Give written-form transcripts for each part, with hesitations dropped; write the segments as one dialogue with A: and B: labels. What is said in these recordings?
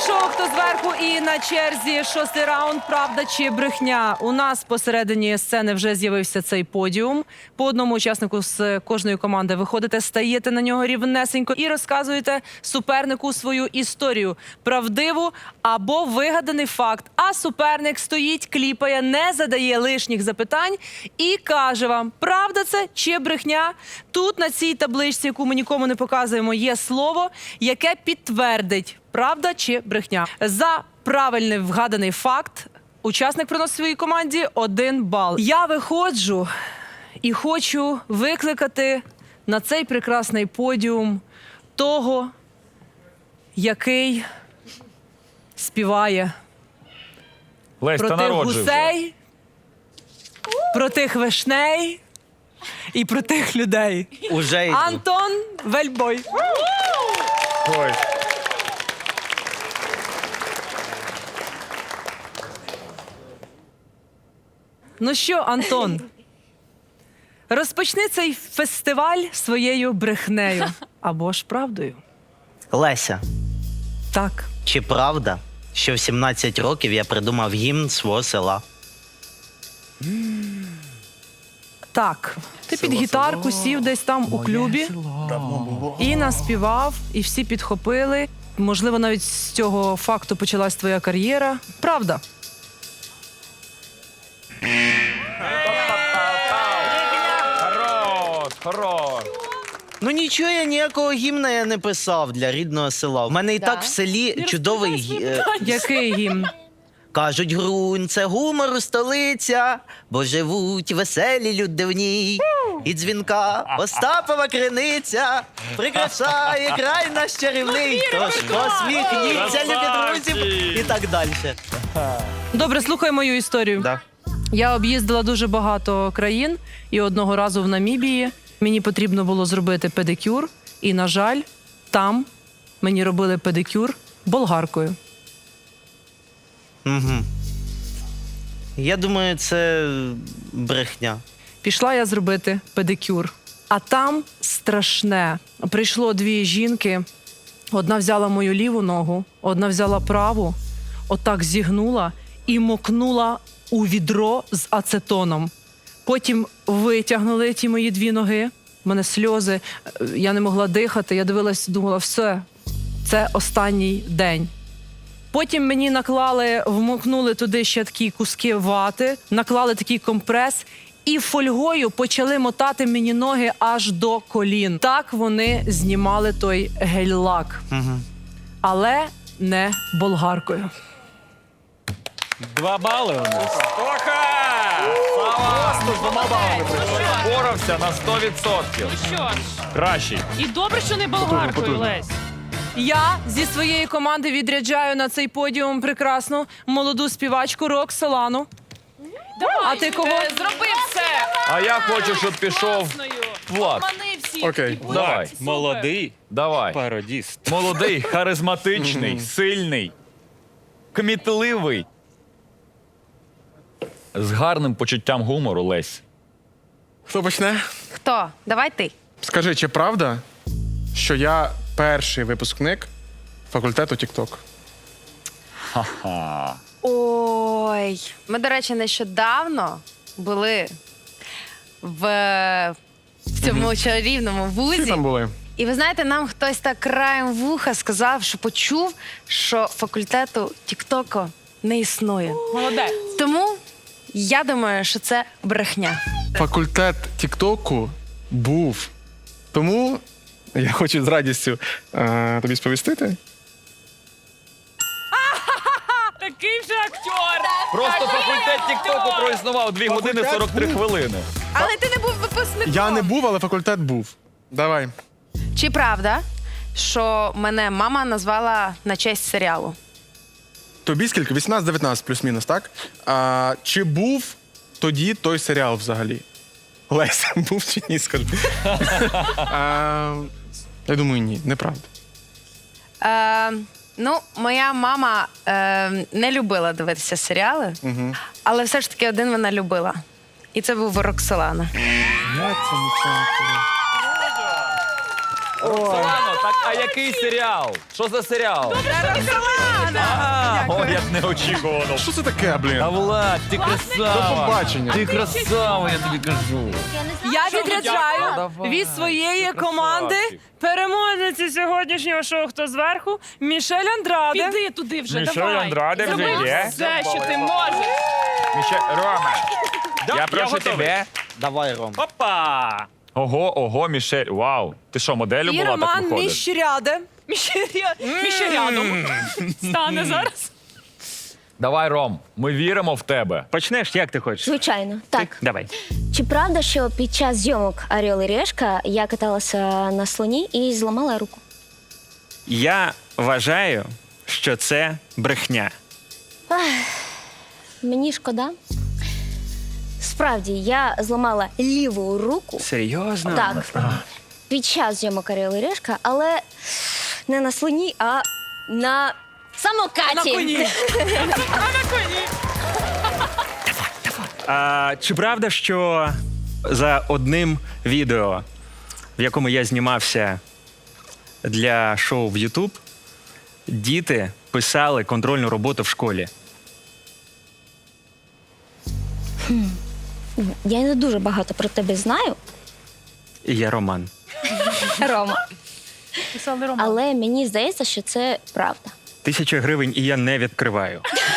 A: шоу «Хто зверху» і на черзі шостий раунд «Правда чи брехня». У нас посередині сцени вже з'явився цей подіум. По одному учаснику з кожної команди виходите, стаєте на нього рівнесенько і розказуєте супернику свою історію. Правдиву або вигаданий факт. А суперник стоїть, кліпає, не задає лишніх запитань і каже вам, правда це чи брехня. Тут на цій табличці, яку ми нікому не показуємо, є слово, яке підтвердить, правда чи брехня. За правильний вгаданий факт учасник приносить своїй команді 1 бал. Я виходжу і хочу викликати на цей прекрасний подіум того, який співає
B: Лесь,
A: про
B: та
A: тих
B: народжуй вже.
A: гусей, про тих вишней і про тих людей.
C: Уже йду.
A: Антон Вельбой.
B: Ой.
A: Ну що, Антон, розпочни цей фестиваль своєю брехнею або ж правдою.
C: Леся,
A: Так.
C: чи правда, що в 17 років я придумав гімн свого села?
A: Так. Ти під гітарку сів десь там у клубі і наспівав, і всі підхопили. Можливо, навіть з цього факту почалась твоя кар'єра. Правда?
B: Хорош, хорош.
C: Ну нічого, я ніякого гімна я не писав для рідного села. У мене і так в селі чудовий
A: Який гімн?
C: Кажуть, Грунь – це гумору столиця, бо живуть веселі люди в ній. І дзвінка Остапова криниця прикрашає край наш чарівний. Тож посміхніться, любі друзі, і так далі.
A: Добре, слухай мою історію.
C: Да.
A: Я об'їздила дуже багато країн, і одного разу в Намібії мені потрібно було зробити педикюр, і, на жаль, там мені робили педикюр болгаркою.
C: Угу. Я думаю, це брехня.
A: Пішла я зробити педикюр, а там страшне. Прийшло 2 жінки, одна взяла мою ліву ногу, одна взяла праву, отак зігнула і мокнула у відро з ацетоном. Потім витягнули ті мої 2 ноги, в мене сльози, я не могла дихати, я дивилась, думала, все, це останній день. Потім мені наклали, вмокнули туди ще такі куски вати, наклали такий компрес і фольгою почали мотати мені ноги аж до колін. Так вони знімали той гель-лак.
C: Угу.
A: Але не болгаркою.
B: 2 бали у нас. Тоха! Просто з 2 балами боровся на 100%.
D: Що ж,
B: Кращий.
D: і добре, що не болгаркою, Лесь.
A: Я зі своєї команди відряджаю на цей подіум прекрасну молоду співачку Роксолану.
D: Давай,
A: А ти кого?
D: Зроби все.
B: А я хочу, щоб пішов
D: Класною.
B: Влад.
D: Обмани всіх.
E: Окей.
D: І
B: Давай.
D: супер.
E: Молодий
B: Давай.
E: пародіст.
B: Молодий, харизматичний, сильний, кмітливий. З гарним почуттям гумору, Лесь.
E: Хто почне?
F: Хто? Давай ти.
E: Скажи, чи правда, що я перший випускник факультету TikTok?
B: Ха-ха.
F: Ой. Ми, до речі, нещодавно були в цьому чарівному
E: Всі
F: вузі.
E: там були?
F: І ви знаєте, нам хтось так краєм вуха сказав, що почув, що факультету Тіктоку не існує.
D: Молодець.
F: Тому я думаю, що це брехня.
E: Факультет TikTok був. Тому я хочу з радістю тобі сповістити.
D: Такий вже актер.
B: Просто факультет Тіктоку проіснував 2 години 43 хвилини.
F: Але ти не був випускником.
E: Я не був, але факультет був. Давай.
F: Чи правда, що мене мама назвала на честь серіалу?
E: Тобі скільки? 18-19 плюс-мінус, так? Чи був тоді той серіал взагалі? Леся, був чи ні, скажи. Я думаю, ні, неправда.
F: Ну, моя мама не любила дивитися серіали, але все ж таки один вона любила. І це був Роксолана.
B: Роксолано, так а який серіал? Що за серіал?
F: Роксолана!
B: О, як неочікувано.
E: Що це таке, блін?
B: А Влад, ти
E: До
B: красава.
E: побачення.
B: Ти красава, я тобі кажу.
A: Я відряджаю
B: Давай.
A: від своєї
B: Ти
A: команди
B: красавчик.
A: переможниці сьогоднішнього шоу «Хто зверху» Мішель Андраде.
D: Піди туди вже,
B: Мішель
D: давай.
B: Андраде вже
D: Зроби
B: є?
D: все, що ти можеш.
B: Рома, я прошу
D: готовий.
B: тебе.
C: Давай, Ром.
D: Опа!
B: Ого, Мішель, вау. Ти що, моделю
A: І
B: була, так
A: Роман
B: виходить?
A: Міщряде.
D: Міще рядом. Стане зараз.
B: Давай, Ром, ми віримо в тебе.
G: Почнеш, як ти хочеш?
H: Звичайно, так.
G: Давай.
H: Чи правда, що під час зйомок «Орел і Решка» я каталася на слоні і зламала руку?
G: Я вважаю, що це брехня.
H: Мені шкода. Справді, я зламала ліву руку.
G: Серйозно?
H: Так. Під час зйомок «Орел і Решка», але не на слоні, а на самокаті.
A: На коні.
G: А чи правда, що за одним відео, в якому я знімався для шоу в YouTube, діти писали контрольну роботу в школі?
H: Я не дуже багато про тебе знаю,
G: І я Роман.
H: Рома.
D: Писали Рома.
H: Але мені здається, що це правда.
G: 1000 гривень і я не відкриваю.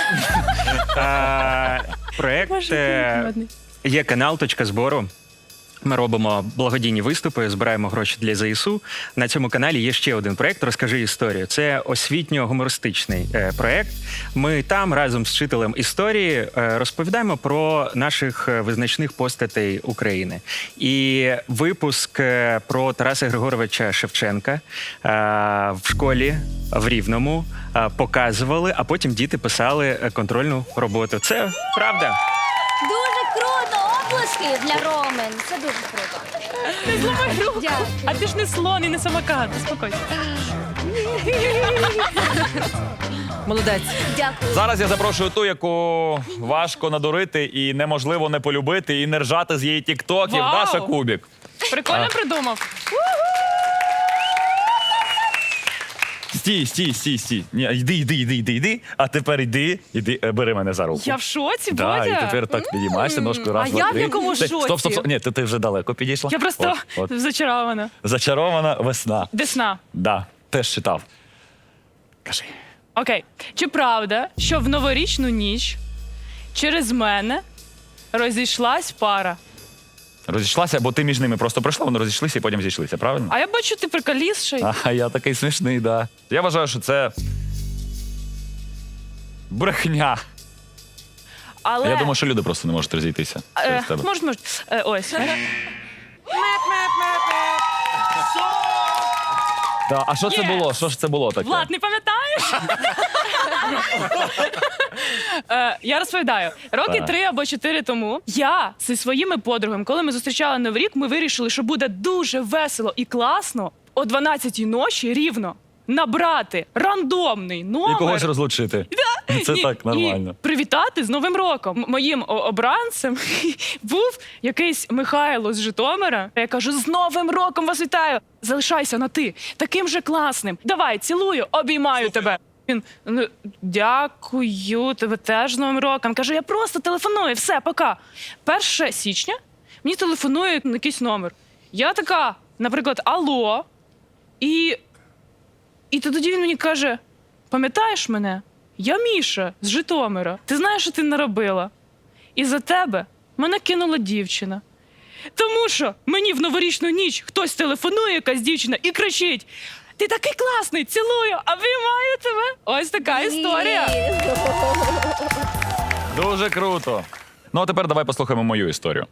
G: Проект є канал «Точка збору». Ми робимо благодійні виступи, збираємо гроші для ЗСУ. На цьому каналі є ще один проект «Розкажи історію». Це освітньо-гумористичний проект. Ми там разом з вчителем історії розповідаємо про наших визначних постатей України. І випуск про Тараса Григоровича Шевченка в школі в Рівному показували, а потім діти писали контрольну роботу. Це правда.
H: Дуже круто! Оплески для Ромен. Це дуже круто. Дякую.
D: А ти ж не слон і не самокат, заспокойся.
A: Молодець.
H: Дякую.
B: Зараз я запрошую ту, яку важко надурити і неможливо не полюбити, і не ржати з її тіктоків.
D: Вау!
B: Даша Кубік.
D: Прикольно придумав.
B: Стій. Ні, йди. А тепер йди, бери мене за руку.
D: Я в шоці,
B: Да,
D: Бодя.
B: і тепер так підіймаєшся, ножку раз,
A: А
B: два,
A: я в
B: три.
A: якому
B: Ти-
A: шоці?
B: Стоп. Ні, ти вже далеко підійшла.
D: Я просто
B: От.
D: зачарована.
B: Зачарована весна.
D: Десна.
B: Да, теж читав. Кажи.
D: Окей. Чи правда, що в новорічну ніч через мене розійшлась пара?
B: Розійшлася, бо ти між ними просто пройшла, вони розійшлися і потім зійшлися, правильно?
D: А я бачу, ти приколісший.
B: А я такий смішний, да. Я вважаю, що це брехня.
D: Але...
B: Я думаю, що люди просто не можуть розійтися через тебе.
D: Може. Ось.
B: Да. А що це
D: Yes.
B: було? Що ж це було таке?
D: Влад, не пам'ятаєш? Я розповідаю. Роки
B: Так.
D: 3 або 4 тому я зі своїми подругами, коли ми зустрічали Новий рік, ми вирішили, що буде дуже весело і класно о 12-й ночі рівно набрати рандомний номер.
B: І когось розлучити. Це
D: Ні,
B: так нормально.
D: І привітати з Новим роком. Моїм обранцем був якийсь Михайло з Житомира. Я кажу: з Новим роком вас вітаю! Залишайся на ти, таким же класним. Давай, цілую, обіймаю тебе. Він: «Ну, дякую, тебе теж з Новим роком. Кажу: я просто телефоную, все, пока. 1 січня мені телефонує якийсь номер. Я така, наприклад, алло. І тоді він мені каже: пам'ятаєш мене? Я Міша з Житомира. Ти знаєш, що ти наробила? І за тебе мене кинула дівчина. Тому що мені в новорічну ніч хтось телефонує, якась дівчина, і кричить: ти такий класний, цілую, обіймаю тебе. Ось така історія.
B: Дуже круто. Ну, а тепер давай послухаємо мою історію.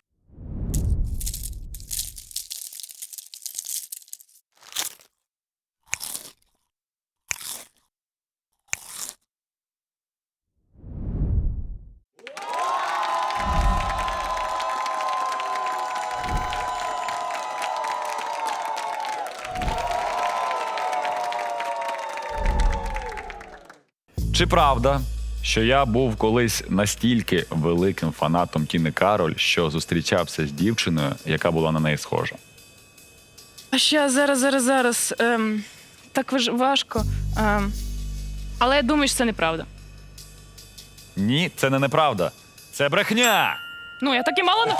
B: Чи правда, що я був колись настільки великим фанатом Тіни Кароль, що зустрічався з дівчиною, яка була на неї схожа?
D: А ще зараз. Так важко. Але я думаю, що це неправда.
B: Ні, це не неправда. Це брехня.
D: Ну, я так і мало не...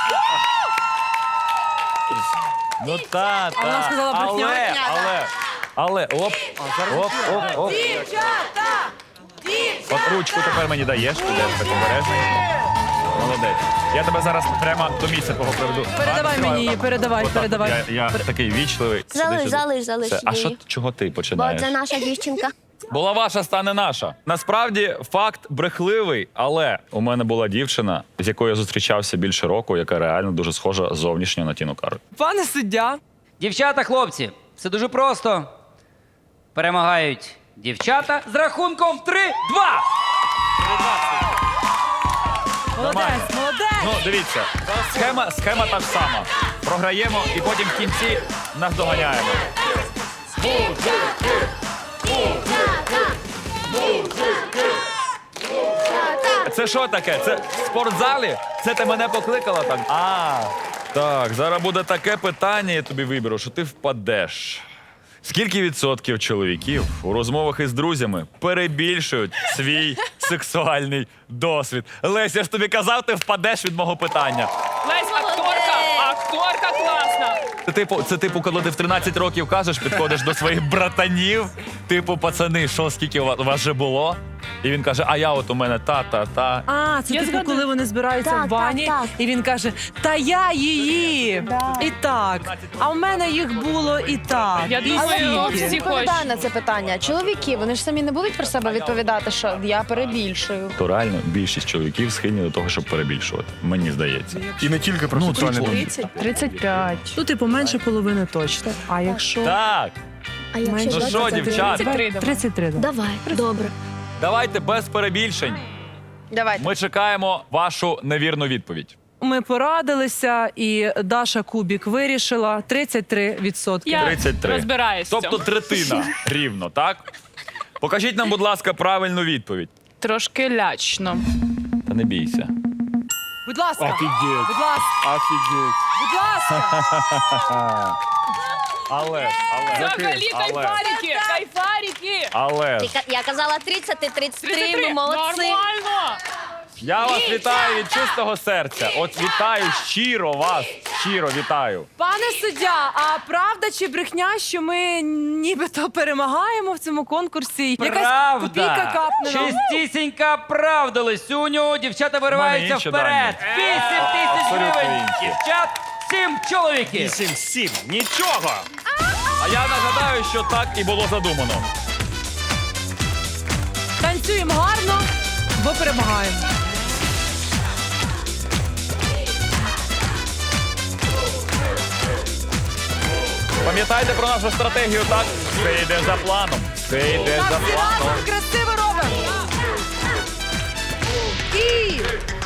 B: Ну та.
A: А вона сказала брехня.
B: Але, оп, оп.
A: Дівчата!
B: От ручку тепер мені даєш, підеш так обережно. Молодець. Я тебе зараз прямо до місця твого приведу.
A: Передавай мені її, передавай.
B: Я такий вічливий.
H: Залиш
B: Все. А що,
H: її.
B: чого ти
H: Бо
B: починаєш?
H: це наша дівчинка.
B: Була ваша, стане наша. Насправді факт брехливий, але у мене була дівчина, з якою я зустрічався більше року, яка реально дуже схожа зовнішньо на Тіну Кароль.
A: Пане суддя,
I: Дівчата, хлопці, все дуже просто. Перемагають дівчата з рахунком 3-2.
A: молодець.
B: Ну, дивіться, схема та ж сама. Програємо і потім в кінці наздоганяємо. Це що таке? Це в спортзалі? Це ти мене покликала так? Так, зараз буде таке питання, я тобі виберу, що ти впадеш. Скільки відсотків чоловіків у розмовах із друзями перебільшують свій сексуальний досвід? Леся, я ж тобі казав, ти впадеш від мого питання.
D: Лесь, акторка класна.
B: Це типу, коли ти в 13 років кажеш, підходиш до своїх братанів, типу, пацани, що, скільки у вас вже було? І він каже, а я от у мене та.
A: А, це
D: Я
A: типу,
D: згадую.
A: коли вони збираються
H: Так,
A: в бані,
H: так.
A: і він каже, та я її. І так. А в мене їх було і так.
D: Я
A: і
D: думаю,
A: стільки.
D: всі
J: Відповідає на це питання. Чоловіки, вони ж самі не будуть про себе відповідати, що я перебільшую.
B: То реально більшість чоловіків схильні до того, щоб перебільшувати. Мені здається.
E: І не тільки про сексуальний досвід.
D: 35.
A: Ну, типу, менше половини точно. А якщо...
B: Так,
H: А якщо
B: ну що,
H: 23?
B: дівчата,
A: 33, да.
H: Давай, добре.
B: давайте без перебільшень.
F: Давайте.
B: Ми чекаємо вашу невірну відповідь.
A: Ми порадилися, і Даша Кубік вирішила 33%.
D: Я
B: 33.
D: розбираюсь в
B: Тобто
D: цьому.
B: третина рівно, так? Покажіть нам, будь ласка, правильну відповідь.
D: Трошки лячно.
B: Та не бійся.
A: Будь ласка,
E: Офігеть.
A: будь ласка,
E: Офігеть.
A: будь ласка.
B: Але.
D: Взагалі кайфарики.
B: Але.
H: Я казала 30, ти 33, ми молодці.
D: Нормально.
B: Я вас вітаю від чистого серця. От вітаю щиро вас. Щиро вітаю.
A: Пане суддя, а правда чи брехня, що ми нібито перемагаємо в цьому конкурсі? Якась копійка капне нам.
I: Чистісінька правда, Лисюню. Дівчата вириваються
B: інші
I: вперед.
B: дані.
I: 8 тисяч
B: Абсолютно
I: гривень.
B: інші.
I: Дівчат, 7 чоловіків.
G: 7, нічого.
B: А я нагадаю, що так і було задумано.
A: Танцюємо гарно, бо перемагаємо.
B: Пам'ятайте про нашу стратегію, так? Все йде за планом. Все йде
A: Так,
B: за
A: всі
B: планом.
A: разом красиво робимо. І